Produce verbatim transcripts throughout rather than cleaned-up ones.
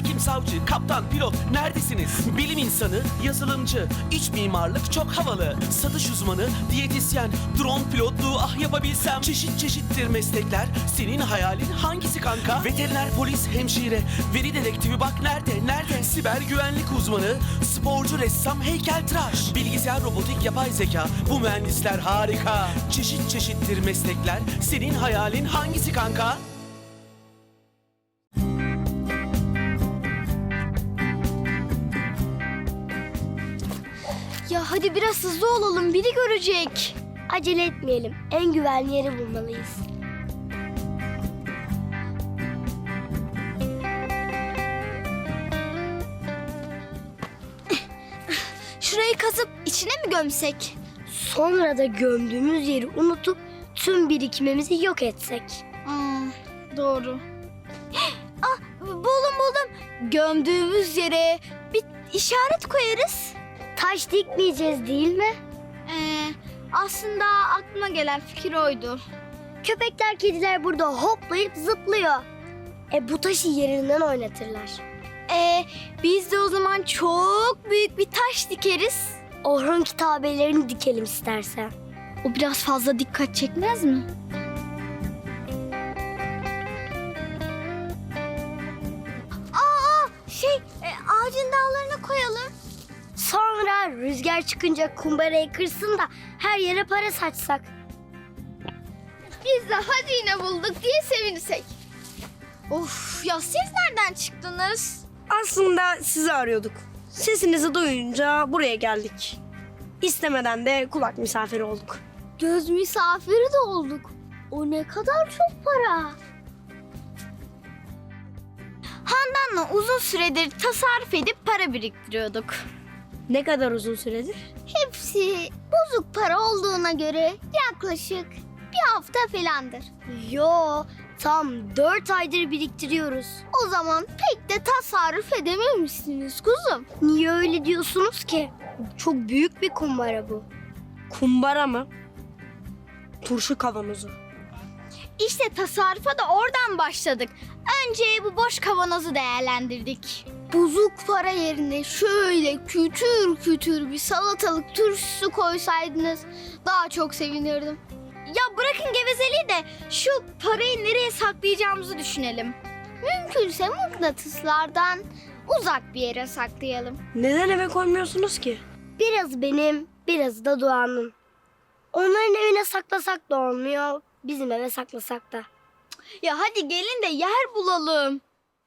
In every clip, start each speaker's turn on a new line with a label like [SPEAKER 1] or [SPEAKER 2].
[SPEAKER 1] hakim, savcı, kaptan, pilot neredesiniz? Bilim insanı, yazılımcı, iç mimarlık çok havalı. Satış uzmanı, diyetisyen, drone pilotluğu ah yapabilsem. Çeşit çeşittir meslekler, senin hayalin hangisi kanka? Veteriner, polis, hemşire, veri dedektifi bak nerede, nerede? Siber güvenlik uzmanı, sporcu, ressam, heykeltıraş, bilgisayar, robotik, yapay zeka, bu mühendisler harika. Çeşit çeşittir meslekler, senin hayalin hangisi kanka?
[SPEAKER 2] Ya hadi biraz hızlı olalım, biri görecek.
[SPEAKER 3] Acele etmeyelim. En güvenli yeri bulmalıyız.
[SPEAKER 2] Şurayı kazıp içine mi gömsek?
[SPEAKER 3] Sonra da gömdüğümüz yeri unutup tüm birikimimizi yok etsek.
[SPEAKER 2] Hmm, doğru. Ah, buldum buldum. Gömdüğümüz yere bir işaret koyarız.
[SPEAKER 3] Taş dikmeyeceğiz değil mi?
[SPEAKER 2] Ee, aslında aklıma gelen fikir oydu.
[SPEAKER 3] Köpekler, kediler burada hoplayıp zıplıyor. E bu taşı yerinden oynatırlar.
[SPEAKER 2] Ee, biz de o zaman çok büyük bir taş dikeriz.
[SPEAKER 3] Orhun kitabelerini dikelim istersen.
[SPEAKER 2] O biraz fazla dikkat çekmez mi? Aa, şey, e, ağacın dallarına koyalım.
[SPEAKER 3] Sonra rüzgar çıkınca kumbarayı kırsın da her yere para saçsak.
[SPEAKER 2] Biz de hazine bulduk diye sevinsek. Of ya, siz nereden çıktınız?
[SPEAKER 4] Aslında sizi arıyorduk. Sesinizi duyunca buraya geldik. İstemeden de kulak misafiri olduk.
[SPEAKER 2] Göz misafiri de olduk. O ne kadar çok para. Handan'la uzun süredir tasarruf edip para biriktiriyorduk.
[SPEAKER 4] Ne kadar uzun süredir?
[SPEAKER 2] Hepsi bozuk para olduğuna göre yaklaşık bir hafta falandır.
[SPEAKER 3] Yo, tam dört aydır biriktiriyoruz.
[SPEAKER 2] O zaman pek de tasarruf edememişsiniz kuzum.
[SPEAKER 3] Niye öyle diyorsunuz ki? Çok büyük bir kumbara bu.
[SPEAKER 4] Kumbara mı? Turşu kavanozu.
[SPEAKER 2] İşte tasarrufa da oradan başladık. Önce bu boş kavanozu değerlendirdik. Bozuk para yerine şöyle kütür kütür bir salatalık turşusu koysaydınız daha çok sevinirdim. Ya bırakın gevezeliği de şu parayı nereye saklayacağımızı düşünelim. Mümkünse mıknatıslardan uzak bir yere saklayalım.
[SPEAKER 4] Neden eve koymuyorsunuz ki?
[SPEAKER 3] Biraz benim, biraz da Doğan'ın. Onların evine saklasak da olmuyor, bizim eve saklasak da.
[SPEAKER 2] Ya hadi gelin de yer bulalım.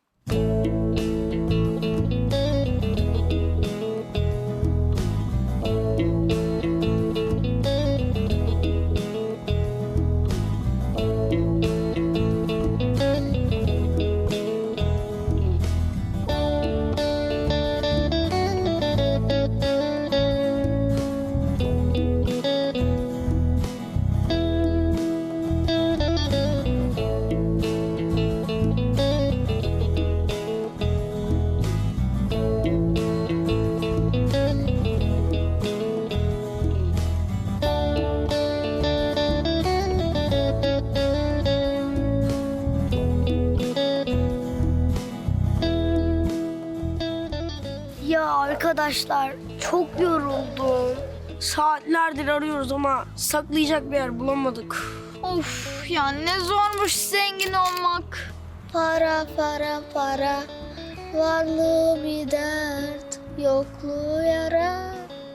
[SPEAKER 3] Ya arkadaşlar, çok yoruldum.
[SPEAKER 4] Saatlerdir arıyoruz ama saklayacak bir yer bulamadık.
[SPEAKER 2] Of ya, ne zormuş zengin olmak.
[SPEAKER 3] Para, para, para, varlığı bir dert, yokluğu yara.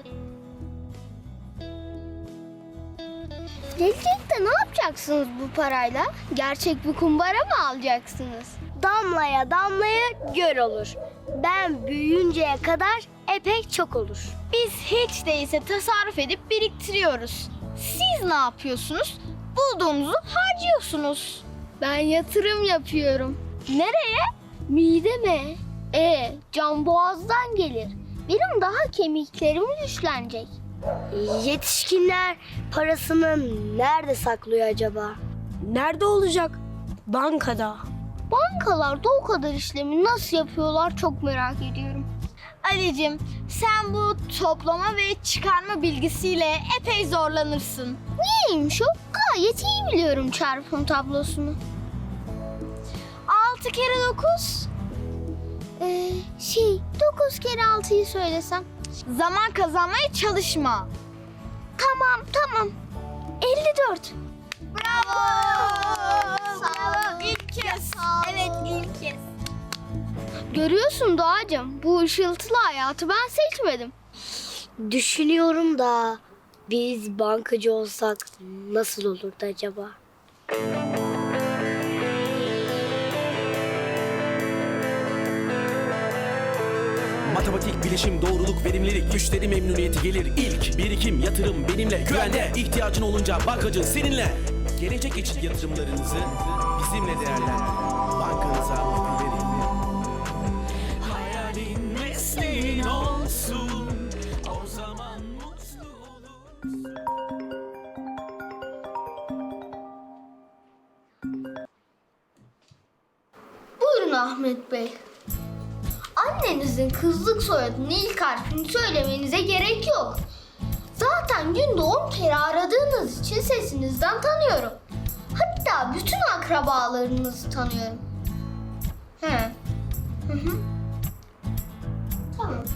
[SPEAKER 2] Gelecekte ne yapacaksınız bu parayla? Gerçek bir kumbara mı alacaksınız?
[SPEAKER 3] Damlaya damlaya göl olur. Ben büyüyünceye kadar epey çok olur.
[SPEAKER 2] Biz hiç değilse tasarruf edip biriktiriyoruz. Siz ne yapıyorsunuz? Bulduğumuzu harcıyorsunuz. Ben yatırım yapıyorum. Nereye? Mideme. E, can boğazdan gelir. Benim daha kemiklerim güçlenecek.
[SPEAKER 3] Yetişkinler parasını nerede saklıyor acaba?
[SPEAKER 4] Nerede olacak? Bankada.
[SPEAKER 2] Bankalarda o kadar işlemi nasıl yapıyorlar çok merak ediyorum. Ali'cim, sen bu toplama ve çıkarma bilgisiyle epey zorlanırsın. Niyeymiş o? Gayet iyi biliyorum çarpım tablosunu. Altı kere dokuz. Ee, şey dokuz kere altıyı söylesem. Zaman kazanmaya çalışma. Tamam tamam. elli dört. Bravo. Sağ ol. İlk kez. Evet ilk kez. Görüyorsun Doğacığım, bu ışıltılı hayatı ben seçmedim.
[SPEAKER 3] Düşünüyorum da biz bankacı olsak nasıl olurdu acaba?
[SPEAKER 1] Matematik, bilişim, doğruluk, verimlilik, müşteri memnuniyeti gelir ilk. Birikim, yatırım benimle, güvende. İhtiyacın olunca bankacı seninle. Gelecek için yatırımlarınızı bizimle değerlendirin. Bankanıza güvenin. Hayalin mesleğin olsun, o zaman mutlu olur.
[SPEAKER 2] Buyurun Ahmet Bey. Annenizin kızlık soyadının ilk harfini söylemenize gerek yok. Zaten günde on kere aradığınız için sesinizden tanıyorum. Hatta bütün akrabalarınızı tanıyorum. He. Hı hı. Tamam.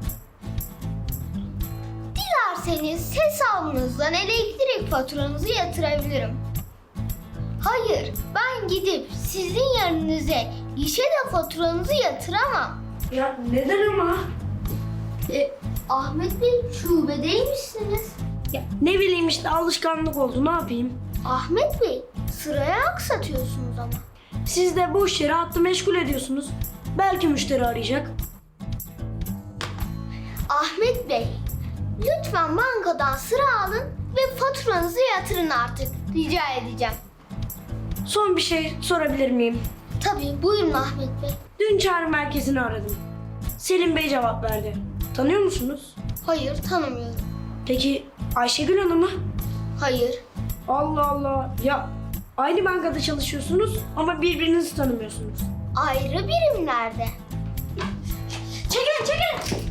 [SPEAKER 2] Dilerseniz hesabınızdan elektrik faturanızı yatırabilirim. Hayır, ben gidip sizin yerinize gişede faturanızı yatıramam.
[SPEAKER 4] Ya neden ama?
[SPEAKER 2] E, Ahmet Bey şubedeymişsiniz.
[SPEAKER 4] Ya ne bileyim işte alışkanlık oldu, ne yapayım?
[SPEAKER 2] Ahmet Bey sıraya aksatıyorsunuz ama.
[SPEAKER 4] Siz de boş yere hattı meşgul ediyorsunuz. Belki müşteri arayacak.
[SPEAKER 2] Ahmet Bey lütfen bankadan sıra alın ve faturanızı yatırın artık. Rica edeceğim.
[SPEAKER 4] Son bir şey sorabilir miyim?
[SPEAKER 2] Tabii buyurun Ahmet Bey.
[SPEAKER 4] Dün çağrı merkezini aradım. Selim Bey cevap verdi. Tanıyor musunuz?
[SPEAKER 2] Hayır tanımıyorum.
[SPEAKER 4] Peki Ayşegül Hanım'ı?
[SPEAKER 2] Hayır.
[SPEAKER 4] Allah Allah. Ya aynı bankada çalışıyorsunuz ama birbirinizi tanımıyorsunuz.
[SPEAKER 2] Ayrı birimlerde. Çekilin çekilin.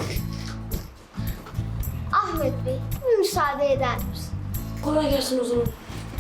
[SPEAKER 2] Ahmet Bey müsaade eder misin?
[SPEAKER 4] Kolay gelsin o zaman.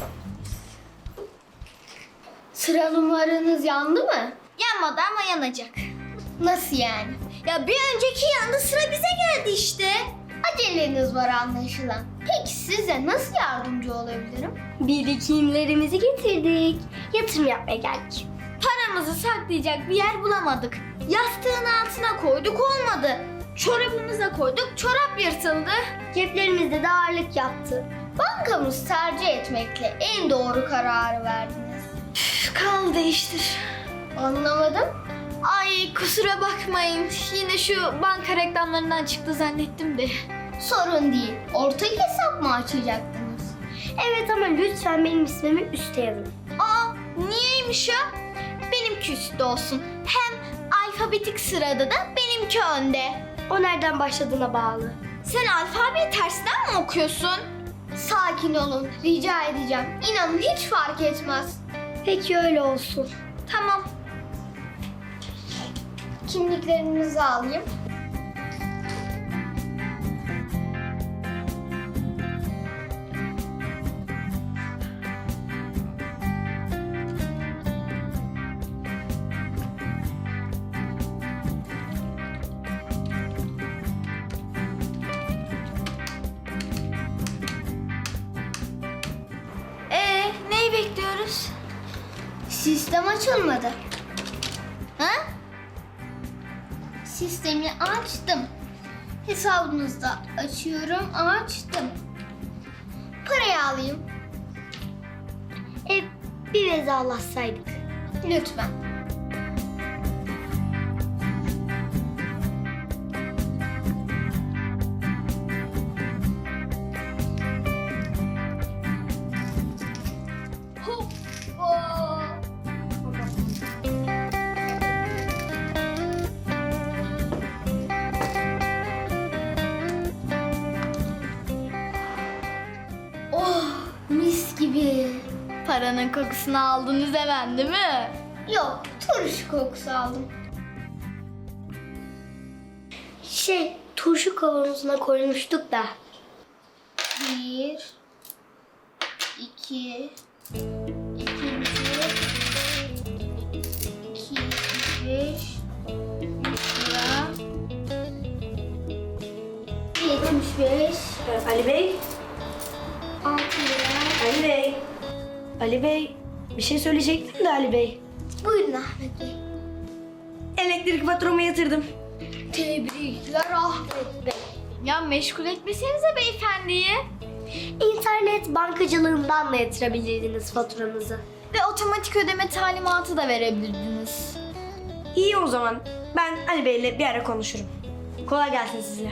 [SPEAKER 2] Sıra numaranız yandı mı? Yanmadı ama yanacak. Nasıl yani? Ya bir önceki yandı, sıra bize geldi işte. Aceleniz var anlaşılan. Peki size nasıl yardımcı olabilirim?
[SPEAKER 3] Birikimlerimizi getirdik. Yatırım yapmaya geldik.
[SPEAKER 2] Paramızı saklayacak bir yer bulamadık. Yastığın altına koyduk olmadı. Çorabımıza koyduk, çorap yırtıldı.
[SPEAKER 3] Ceplerimizde de ağırlık yaptı.
[SPEAKER 2] Bankamız tercih etmekle en doğru kararı verdiniz. Üf, kal değiştir. Anlamadım. Ay kusura bakmayın. Yine şu banka reklamlarından çıktı zannettim de. Sorun değil. Ortak hesap mı açacaktınız?
[SPEAKER 3] Evet ama lütfen benim ismimi üste yazın.
[SPEAKER 2] Aa niyeymiş o? Benimki üstte olsun. Hem alfabetik sırada da benimki önde.
[SPEAKER 3] O nereden başladığına bağlı.
[SPEAKER 2] Sen alfabeyi tersten mi okuyorsun? Sakin olun. Rica edeceğim. İnanın hiç fark etmez.
[SPEAKER 3] Peki öyle olsun.
[SPEAKER 2] Tamam. Kimliklerinizi alayım. Ee, neyi bekliyoruz? Sistem açılmadı. Ha? Sistemi açtım. Hesabınızda açıyorum, açtım. Parayı alayım.
[SPEAKER 3] E, bir vedalaşsaydık.
[SPEAKER 2] Lütfen. Hoppa. Oh, mis gibi. Paranın kokusunu aldınız hemen değil mi? Yok, turşu kokusu aldım.
[SPEAKER 3] Şey, turşu kavanozuna koymuştuk da.
[SPEAKER 2] Bir, iki, ikinci, iki, üç, altmış beş,
[SPEAKER 4] Ali Bey,
[SPEAKER 2] altı lira.
[SPEAKER 4] Ali Bey. Ali Bey, bir şey söyleyecektim de Ali Bey.
[SPEAKER 2] Buyurun Ahmet Bey.
[SPEAKER 4] Elektrik faturamı yatırdım.
[SPEAKER 2] Tebrikler Ahmet Bey. Ya meşgul etmesenize beyefendiyi.
[SPEAKER 3] İnternet bankacılığından da yatırabilirdiniz faturanızı.
[SPEAKER 2] Ve otomatik ödeme talimatı da verebilirdiniz.
[SPEAKER 4] İyi o zaman. Ben Ali Bey'le bir ara konuşurum. Kolay gelsin size.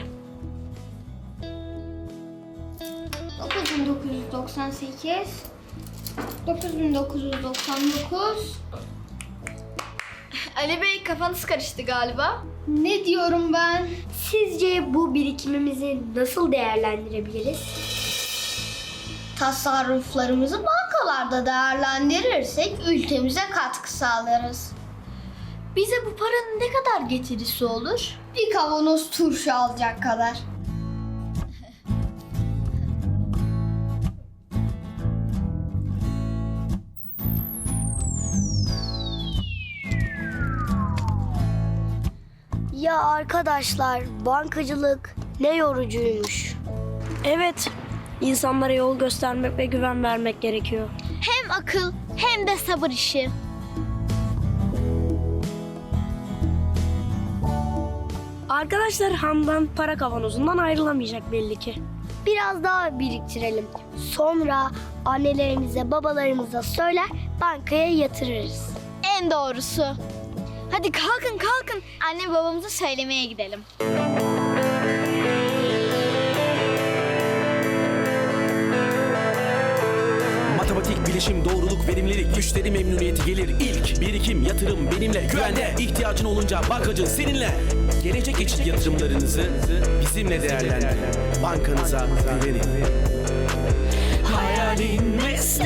[SPEAKER 2] dokuz bin dokuz yüz doksan sekiz, dokuz bin dokuz yüz doksan dokuz. Ali Bey kafanız karıştı galiba. Ne diyorum ben?
[SPEAKER 3] Sizce bu birikimimizi nasıl değerlendirebiliriz?
[SPEAKER 2] Tasarruflarımızı bankalarda değerlendirirsek ülkemize katkı sağlarız. Bize bu paranın ne kadar getirisi olur? Bir kavanoz turşu alacak kadar.
[SPEAKER 3] Ya arkadaşlar, bankacılık ne yorucuymuş.
[SPEAKER 4] Evet, insanlara yol göstermek ve güven vermek gerekiyor.
[SPEAKER 2] Hem akıl hem de sabır işi.
[SPEAKER 4] Arkadaşlar Handan para kavanozundan ayrılamayacak belli ki.
[SPEAKER 3] Biraz daha biriktirelim. Sonra annelerimize, babalarımıza söyler, bankaya yatırırız.
[SPEAKER 2] En doğrusu. Hadi kalkın kalkın. Anne babamıza söylemeye gidelim.
[SPEAKER 1] Matematik, bilişim, doğruluk, verimlilik, müşteri memnuniyeti gelir ilk. Birikim, yatırım benimle, güvende. İhtiyacın olunca bankacı seninle. Gelecek için yatırımlarınızı bizimle değerlendirin. Bankanıza güvenin. Hayalin ve